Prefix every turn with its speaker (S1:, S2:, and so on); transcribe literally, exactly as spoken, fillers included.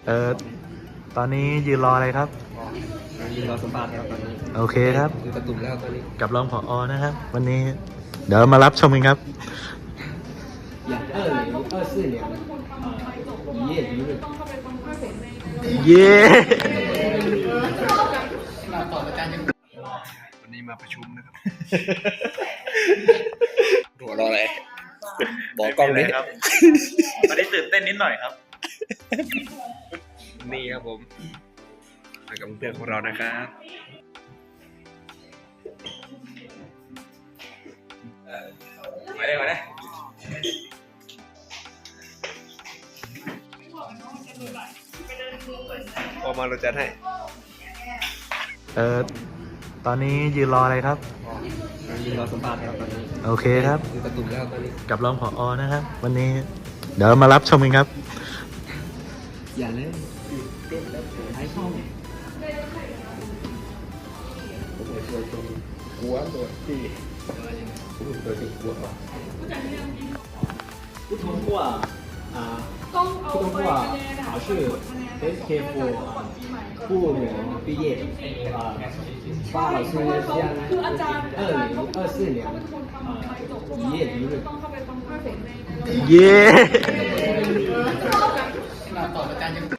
S1: เออตอนนี้ยืนรออะไรครับ
S2: ยืนรอสัมภาษณ์ครับตอนนี้
S1: โอเคครับ
S2: คือกระตุ่มแล้วตอนนี้
S1: กับรองผอนะครับ วันนี้เดี๋ยวมารับชมกันครับ
S2: อย่าง二零二四年呃一夜一日
S1: เย้
S2: วันนี้มาประชุมนะครับหัวรออะไรบอกกล้องนี้
S1: ครับวันนี้ตื่นเต้นนิดหน่อยครับ
S2: นี่ครับผมมากับเพื่อนของเรานะครับมาได้มาได้พอมาเราจัดให้
S1: เออตอนนี้ยืนรออะไรครับ
S2: ยืนรอสัมภาษณ์ครับตอนนี้
S1: โอเคครับ
S2: คือกระตุ่มแล้วตอนนี้
S1: กับรองผอนะครับ วันนี้เดี๋ยวมารับชมกันครับ
S2: อย่าเล่นเต้นแล้วใช้ช่องผมเลยตัวตรงหัวตัวที่ตัวที่หัว不通过啊不通过考试 S K 四不能毕业啊发老师将二零二四年呃一夜一日
S1: เย้